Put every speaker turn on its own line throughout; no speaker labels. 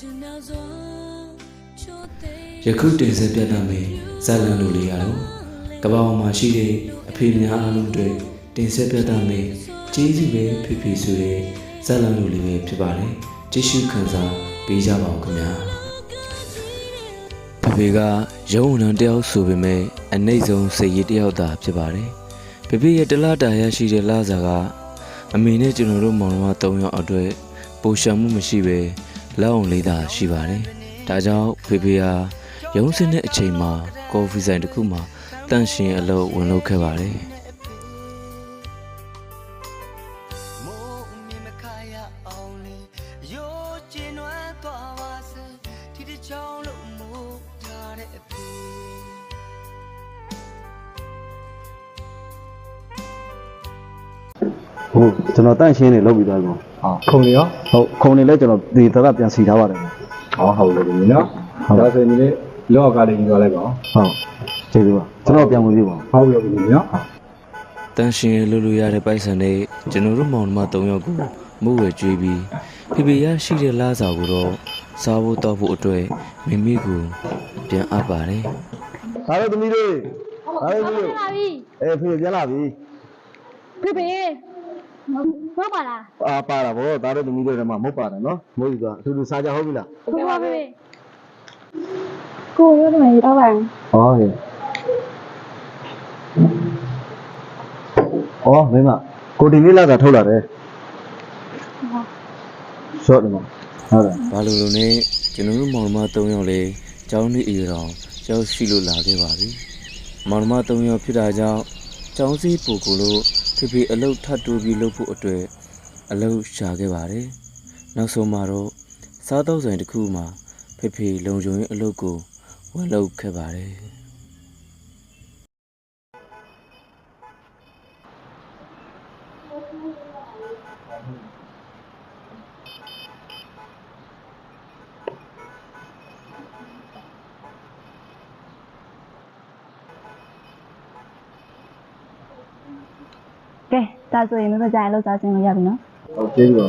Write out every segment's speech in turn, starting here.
ယခုတင်ဆက်ပြသမယ့်ဇာတ်လမ်းလိုလေးကတော့ကမ္ဘာပေါ်မှာရှိတဲ့အဖေများအားလုံးတွေတင်ဆက်ပြသမယ့်ကျေးဇူးပဲဖြစ်ဖြစ်ဆိုတဲ့ဇာတ်လမ်းလိုလေးပဲဖြစ်ပါတယ်ကြည့်ရှုခံစားပေးကြပါဦးခင်ဗျာဖေကရုံးဝန်တယောက်ဆိုပေမဲ့အနှိမ့်ဆုံးစိတ်ရည်တယောက်သာဖြစ်ပါတယ်ဖေရဲ့တလားတာရရှိတဲ့လစာကအမေနဲ့ကျွန်တော်တို့မောင်နှမ3ယောက်အတွက်ပိုရှံမှုမရှိပဲလောက်အောင်လေးသာရှိပါတယ်ဒါကြောင့်ဖေဟာရုံးစင်းတဲ့အချိန်မှာကော်ဖီဆိုင်တစ်ခုမှာတန့်ရှင်အလုပ်ဝင်လုပ်ခဲ့ပါတယ်
ဟုတ်ကျွန်တော်တန့်ရှင်းနေလုပ်ပြီးသားကော
ခုံနေရော
ဟုတ်ခုံနေလဲကျွန်တော်ဒီသရပြန်စီထားပါတယ်
ဟုတ်တယ်ဒီနော်ဒါဆိုရင်ဒီနေ့လောကလေးကြီးသွားလိုက်ပါ
ဟုတ်ကျေးဇူးပါကျွန်တော်ပြန်ဝင်ပြီပါ
ဟုတ်ပြီနော်
တန့်ရှင်လုပ်လို့ရတဲ့ပိုက်ဆံနဲ့ကျွန်တော်တို့မောင်နှမ3ယောက်ကိုမှုဝဲကျွေးပြီးဖေရရှိတဲ့လားစာကိုတော့စားဖို့တောက်ဖို့အတွက်မိမိကိုပြန်အပ်ပါတယ်
ဒါတော့သမီးတို့ဒါတော့သမီးတို့ဖေပြန်လာပြီ
ဖေမပါလား
ပါတာဗောဒါတော့သမီးတို့ထဲမှာမဟုတ်ပါတယ်နော်မဟုတ်ဘူးကအထူးထူးစားကြဟုတ်ပြီလား
ဟုတ်ပါဖေကိုရတော့ရတော့ပါ
ဟုတ်ကဲ့မင်းမကိုဒီနေ့လာတာထုတ်လာတယ်ဟုတ်တယ်မဟုတ်တယ်
ဘာလို့လဲကျွန်တော်တို့မောင်နှမ3ယောက်လေးကျောင်းနေအရွယ်တော်ရောက်ရှိလို့လာခဲ့ပါပြီမောင်နှမ3ယောက်ဖြစ်တာကြောင့်ကျောင်းစည်းပူကိုလို့ဖေအလုတ်ထပ်တိုးပြီးလုပ်ဖို့အတွက်အလုတ်ရှာခဲ့ပါတယ်နောက်ဆုံးမှာတော့စားတောက်ဆိုင်တစ်ခုမှာဖေလုံခြုံရေးအလုတ်ကိုဝင်လုပ်ခဲ့ပါတယ်
ကဲဒါဆိုရင်မဖကြရင်လောက်စားခြင်းလို့ရပြီနော်
ဟုတ်ကျေးဇူးပါ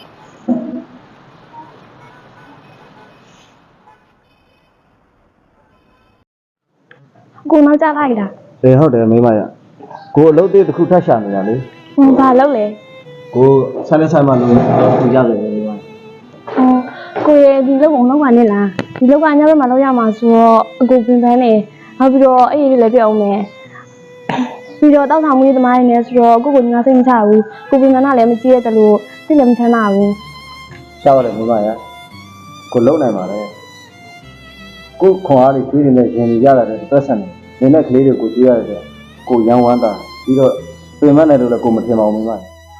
ကိုနောက်ကြလိုက်လား
ဟုတ်တယ်မိမရကိုအလုပ်သေးတစ်ခုထပ်ရှာနေတာလေ
ဘာလုပ်လဲ
ကိုဆိုင်နဲ့ဆိုင်မှာလို့သူရတယ်မိမ
ကိုရဲ့ဒီလုပ်အောင်လုပ်ပါနဲ့လားဒီလောက်ကညဘက်မှာလုပ်ရမှာဆိုတော့အကိုပင်ပန်းနေနောက်ပြီးတော့အဲ့ဒီလည်းပြောင်းမယ်ပြီးတော့တောက်ဆောင်မှုသမားတွေနဲ့ဆိုတော့ကိုကိုငါစိတ်မချဘူးကိုပင်ပန်းကလည်းမကြည့်ရတယ်လို့စိတ်လည်းမချမ်းသာဘူး
ရှားပါတယ်မိမရကိုလုံနိုင်ပါလေကိုခွန်အားတွေကျွေးနေတဲ့ရင်ကြီးရတာတဲ့သက်ဆက်နေနေတဲ့ကလေးတွေကိုကျွေးရတယ်ကိုရန်ဝမ်းတာပြီးတော့ပြင်မနဲ့လို့လည်းကိုမထင်ပါဘူးမိမ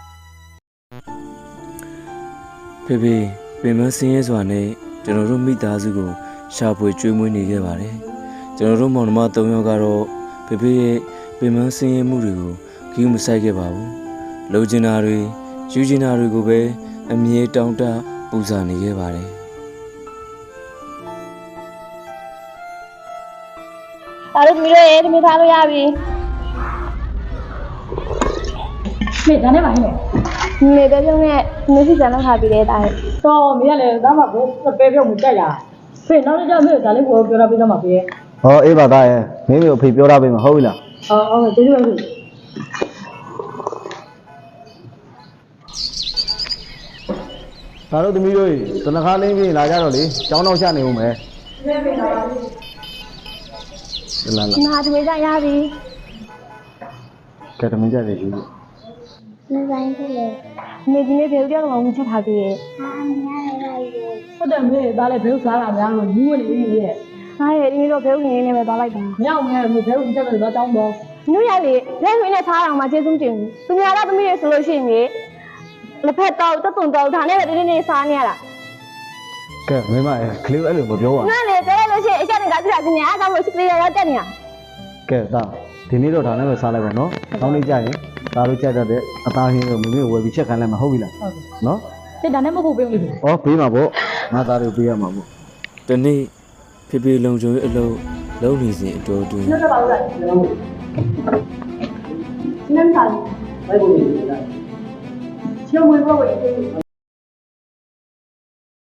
ဖေပင်မစင်းရဲစွာနဲ့ကျွန်တော်တို့မိသားစုကိုရှာဖွေကျွေးမွေးနေခဲ့ပါတယ်ကျွန်တော်တို့မောင်နှမ3ယောက်ကတော့ဖေရဲ့ပင်မစင်းရဲမှုတွေကိုဂရုမစိုက်ခဲ့ပါဘူးလိုချင်တာတွေယူချင်တာတွေကိုပဲအမြဲတောင်းတပူဇော်နေခဲ့ပါတယ်
ဒါတို့သမီးတို့ရေသမီးထားလို့ရပြီ
မေဒါနဲ့ပါဟဲ့
မေပဲပြုံးနဲ့မင်းစီစံလောက်ထားပြီးတဲ့တား
တော့မေကလည်းဒါမှကိုပဲပြုံးမှုကြိုက်ရဖေနောက်တစ်ကြောက်မေဒါလေးကိုပြောတာပြီးတော့မှာဖေ
အေးပါသားရဲ့မင်းမျိုးအဖေပြောတာပေးမှာဟုတ်ပြီလား
ဟုတ်ကဲ့ကျေးဇူးပါဖေ
ဒါတို့သမီးတို့တနခါလင်းပြင်လာကြတော့လေကျောင်းတော့ချနေဦးမယ်လာ
ငါသမီးကြရပြီ
ကဲသမီးကြတယ်ယူ
နေဆိုင်ဖြစ်လေနေဒီနေ့ဘယ်လိုကြောင့်ချက်ထားပြီးရဲ့
ဟုတ်တယ်မေဒါလည်းဘယ်ဥစားတာများလို့ယူဝင်နေပြီရဲ့
အားရဒီနေ့တော့ဘဲဥနေနေပဲသွားလိုက်တာ
မြောက်မယ်ဘဲဥချက်ပဲသွားတောင်းတော့
ညရလေလက်ဆွေးနဲ့စားအောင်မှကျေးဇူးတင်ဘူးသူများတော့သမီးတွေဆိုလို့ရှိရင်လက်ဖက်တော့တက်တုံတော့ဒါနဲ့ပဲတင်းတင်းစားနေရတာ
ကဲမင်းမကလေးအဲ့လိုမပြောပါဘူး
ငါလည်းပြောလို့ရှိရင်အချက်တွေကပြတာတင်နေအားကြောင့်လို့စကလေးရောက်တက်နေတာ
ကဲသားဒီနေ့တော့ဒါနဲ့ပဲစားလိုက်ပါနော်နောက်နေ့ကျရင်ဒါတို့ကြက်တဲ့အသားဟင်းကိုမင်းဝယ်ပြီးချက်ခိုင်းလိုက်မှာဟုတ်ပြီလားနော်
ဒီဒါနဲ့မဟုတ်ပေးဘူးလေ
ပေးမှာပေါ့ငါသားတို့ပေးရမှာပေါ့
ဒီနေ့ဖေလုံခြုံရေးအလုပ်လုပ်နေစဉ်အတော်တွင်
နှုတ်တော့ပါဦးလားနမ်းပါဘယ်လိုလဲရှုံးဝင်ဖို့